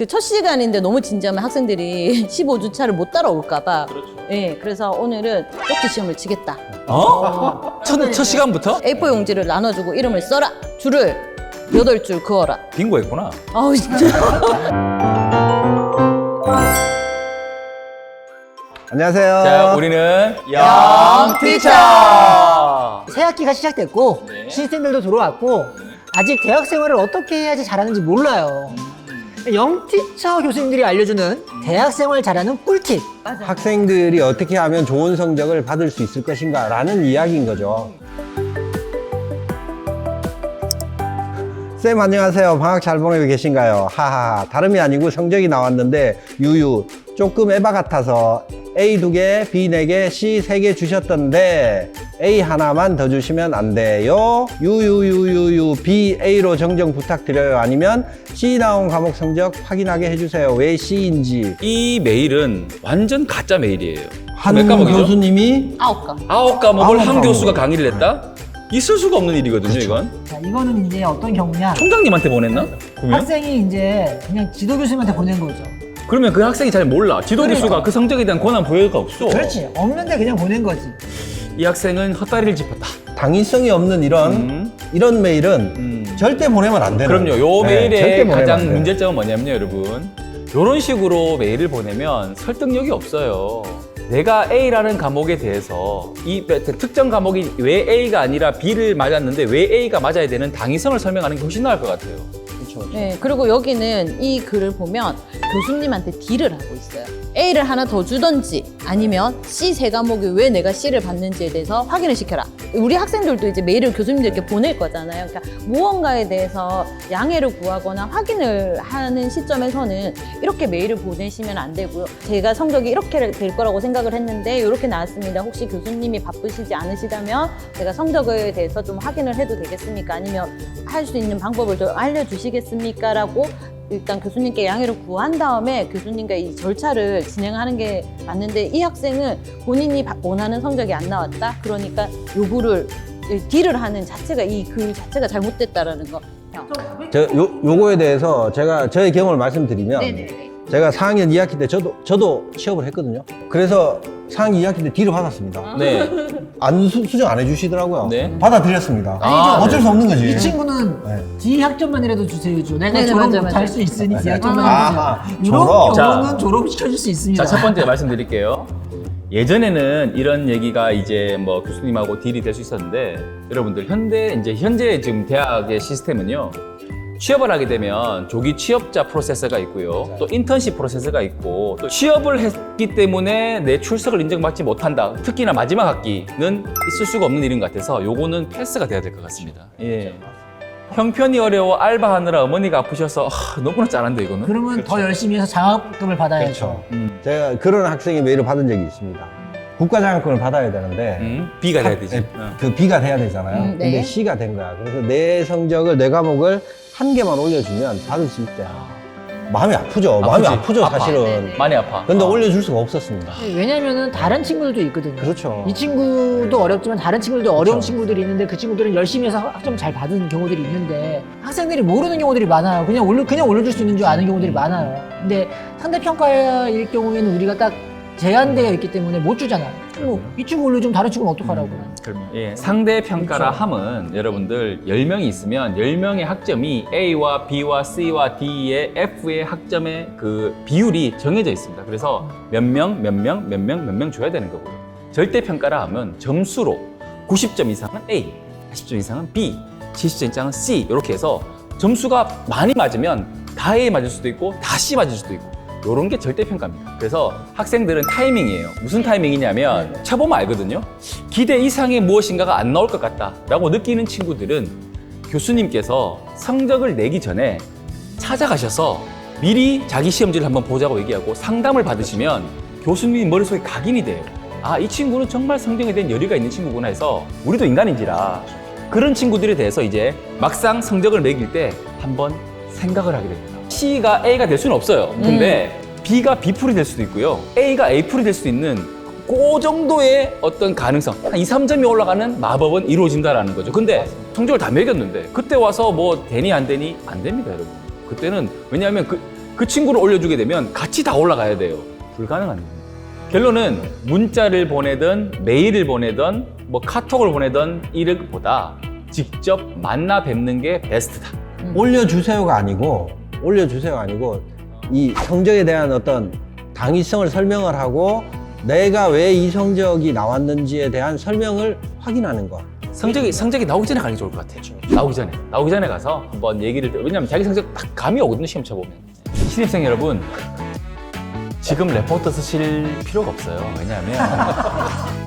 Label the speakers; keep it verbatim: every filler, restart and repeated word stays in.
Speaker 1: 그 첫 시간인데 너무 진지하면 학생들이 십오 주 차를 못 따라올까봐.
Speaker 2: 그렇죠.
Speaker 1: 예, 그래서 오늘은 쪽지 시험을 치겠다.
Speaker 2: 어? 첫, 첫 시간부터?
Speaker 1: 에이포 용지를 나눠주고 이름을 써라. 줄을 여덟 줄 그어라.
Speaker 2: 빙고 했구나.
Speaker 1: 아우 진짜.
Speaker 3: 안녕하세요.
Speaker 2: 자, 우리는
Speaker 1: 영티처!
Speaker 4: 새 학기가 시작됐고
Speaker 2: 네.
Speaker 4: 시스템들도 들어왔고 아직 대학 생활을 어떻게 해야지 잘하는지 몰라요. 영티처 교수님들이 알려주는 대학 생활 잘하는 꿀팁.
Speaker 3: 학생들이 어떻게 하면 좋은 성적을 받을 수 있을 것인가 라는 이야기인 거죠. 쌤 안녕하세요. 방학 잘 보내고 계신가요? 하하하. 다름이 아니고 성적이 나왔는데 유유 조금 에바 같아서 A 두 개, B 네 개, C 세 개 주셨던데 A 하나만 더 주시면 안 돼요? 유유유유유 B A로 정정 부탁드려요. 아니면 C 나온 과목 성적 확인하게 해주세요. 왜 C인지.
Speaker 2: 이 메일은 완전 가짜 메일이에요.
Speaker 3: 한
Speaker 2: 몇 과목이죠?
Speaker 3: 교수님이
Speaker 1: 아홉 강.
Speaker 2: 아홉 과목을
Speaker 3: 아홉
Speaker 2: 한
Speaker 3: 과목.
Speaker 2: 교수가 강의를 했다? 있을 수가 없는 일이거든요, 이건.
Speaker 4: 자, 이거는 이제 어떤 경우냐?
Speaker 2: 총장님한테 보냈나? 그러면?
Speaker 4: 학생이 이제 그냥 지도 교수님한테 보낸 거죠.
Speaker 2: 그러면 그 학생이 잘 몰라. 지도
Speaker 4: 그러니까.
Speaker 2: 교수가 그 성적에 대한 권한 보여가 없어.
Speaker 4: 그렇지. 없는데 그냥 보낸 거지.
Speaker 2: 이 학생은 헛다리를 짚었다.
Speaker 3: 당위성이 없는 이런
Speaker 2: 음.
Speaker 3: 이런 메일은
Speaker 2: 음.
Speaker 3: 절대 보내면 안 되는.
Speaker 2: 그럼요. 요
Speaker 3: 네, 절대
Speaker 2: 메일의
Speaker 3: 보내면 안
Speaker 2: 가장
Speaker 3: 돼요.
Speaker 2: 문제점은 뭐냐면요, 여러분. 요런 식으로 메일을 보내면 설득력이 없어요. 내가 A라는 과목에 대해서 이 특정 과목이 왜 A가 아니라 B를 맞았는데 왜 A가 맞아야 되는 당위성을 설명하는 게 훨씬 나을 것 같아요.
Speaker 3: 그렇죠.
Speaker 1: 네, 그리고 여기는 이 글을 보면 교수님한테 딜을 하고 있어요. A를 하나 더 주던지 아니면 C 세 과목이 왜 내가 C를 받는지에 대해서 확인을 시켜라. 우리 학생들도 이제 메일을 교수님들께 보낼 거잖아요. 그러니까 무언가에 대해서 양해를 구하거나 확인을 하는 시점에서는 이렇게 메일을 보내시면 안 되고요. 제가 성적이 이렇게 될 거라고 생각을 했는데 이렇게 나왔습니다. 혹시 교수님이 바쁘시지 않으시다면 제가 성적에 대해서 좀 확인을 해도 되겠습니까? 아니면 할 수 있는 방법을 좀 알려주시겠습니까? 라고 일단 교수님께 양해를 구한 다음에 교수님과 이 절차를 진행하는 게 맞는데 이 학생은 본인이 원하는 성적이 안 나왔다? 그러니까 요구를 딜을 하는 자체가 이 글 자체가 잘못됐다라는 거.
Speaker 3: 저 요, 요거에 대해서 제가 저의 경험을 말씀드리면 제가 사 학년 이 학기 때 저도 저도 취업을 했거든요. 그래서 사 학년 이 학기 때 D를 받았습니다.
Speaker 2: 네.
Speaker 3: 안 수, 수정 안 해주시더라고요.
Speaker 2: 네.
Speaker 3: 받아들였습니다.
Speaker 2: 아,
Speaker 3: 어쩔
Speaker 2: 네.
Speaker 3: 수 없는 거지.
Speaker 4: 이 친구는
Speaker 3: 네.
Speaker 4: D 학점만이라도 주세요. 줘. 내가
Speaker 1: 네네,
Speaker 4: 졸업
Speaker 1: 맞아,
Speaker 4: 못할
Speaker 1: 맞아.
Speaker 4: 수 있으니 D 학점만
Speaker 3: 아하,
Speaker 4: 주세요. 이런
Speaker 3: 졸업.
Speaker 4: 경우는
Speaker 2: 자.
Speaker 4: 졸업시켜줄 수 있습니다.
Speaker 2: 자, 첫 번째 말씀드릴게요. 예전에는 이런 얘기가 이제 뭐 교수님하고 딜이 될 수 있었는데 여러분들 현대 이제 현재 지금 대학의 시스템은요. 취업을 하게 되면 조기 취업자 프로세스가 있고요. 또 인턴십 프로세스가 있고 또 취업을 했기 때문에 내 출석을 인정받지 못한다. 특히나 마지막 학기는 있을 수가 없는 일인 것 같아서 요거는 패스가 돼야 될 것 같습니다. 예. 형편이 어려워 알바하느라 어머니가 아프셔서 하, 너무나 짠한데 이거는.
Speaker 4: 그러면 더 열심히 해서 장학금을 받아야죠.
Speaker 3: 그렇죠.
Speaker 2: 음.
Speaker 3: 제가 그런 학생의 메일을 받은 적이 있습니다. 국가장학금을 받아야 되는데
Speaker 2: 음, B가 돼야
Speaker 3: 학-
Speaker 2: 되지.
Speaker 3: 네,
Speaker 2: 어.
Speaker 3: 그 B가 돼야 되잖아요.
Speaker 1: 음, 네.
Speaker 3: 근데 C가 된 거야. 그래서 내 성적을 내 과목을 한 개만 올려주면 받을 수 있대. 마음이 아프죠. 마음이
Speaker 2: 아프지.
Speaker 3: 아프죠,
Speaker 2: 아파.
Speaker 3: 사실은.
Speaker 1: 네네.
Speaker 2: 많이 아파.
Speaker 3: 근데
Speaker 2: 어.
Speaker 3: 올려줄 수가 없었습니다.
Speaker 4: 왜냐면은 다른 친구들도 있거든요.
Speaker 3: 그렇죠.
Speaker 4: 이 친구도 어렵지만 다른 친구들도 어려운
Speaker 3: 그렇죠.
Speaker 4: 친구들이 있는데 그 친구들은 열심히 해서 학점 잘 받은 경우들이 있는데 학생들이 모르는 경우들이 많아요. 그냥 올려 그냥 올려줄 수 있는 줄 아는 경우들이 많아요. 근데 상대 평가일 경우에는 우리가 딱 제한되어 있기 때문에 못 주잖아요. 뭐 이 친구 올려주면 다른 친구는 어떡하라고.
Speaker 2: 그러면 예, 상대 평가라
Speaker 4: 그렇죠.
Speaker 2: 함은 여러분들 열 명이 있으면 열 명의 학점이 A와 B와 C와 D의 F의 학점의 그 비율이 정해져 있습니다. 그래서 몇 명, 몇 명, 몇 명, 몇 명 줘야 되는 거고요. 절대 평가라 하면 점수로 구십 점 이상은 A, 팔십 점 이상은 B, 칠십 점 이상은 C 이렇게 해서 점수가 많이 맞으면 다 A 맞을 수도 있고 다 C 맞을 수도 있고 요런 게 절대평가입니다. 그래서 학생들은 타이밍이에요. 무슨 타이밍이냐면 쳐보면 알거든요. 기대 이상의 무엇인가가 안 나올 것 같다 라고 느끼는 친구들은 교수님께서 성적을 내기 전에 찾아가셔서 미리 자기 시험지를 한번 보자고 얘기하고 상담을 받으시면 교수님 머릿속에 각인이 돼요. 아, 이 친구는 정말 성적에 대한 열의가 있는 친구구나 해서 우리도 인간인지라 그런 친구들에 대해서 이제 막상 성적을 매길 때 한번 생각을 하게 됩니다. C가 A가 될 수는 없어요. 근데 B가 B풀이 될 수도 있고요. A가 A풀이 될 수도 있는 그 정도의 어떤 가능성, 한 이, 삼 점이 올라가는 마법은 이루어진다라는 거죠. 근데 성적을 다 매겼는데 그때 와서 뭐 되니 안 되니 안 됩니다, 여러분. 그때는 왜냐하면 그 그 친구를 올려주게 되면 같이 다 올라가야 돼요. 불가능한 일입니다. 결론은 문자를 보내든 메일을 보내든 뭐 카톡을 보내든 이것보다 직접 만나 뵙는 게 베스트다.
Speaker 3: 올려주세요가 아니고 올려주세요가 아니고 이 성적에 대한 어떤 당위성을 설명을 하고 내가 왜 이 성적이 나왔는지에 대한 설명을 확인하는 거.
Speaker 2: 성적이 성적이 나오기 전에 가는 게 좋을 것 같아요. 나오기 전에 나오기 전에 가서 한번 얘기를 들- 왜냐하면 자기 성적 딱 감이 오거든요. 시험 쳐보면. 신입생 여러분 지금 레포트 쓰실 필요가 없어요. 왜냐하면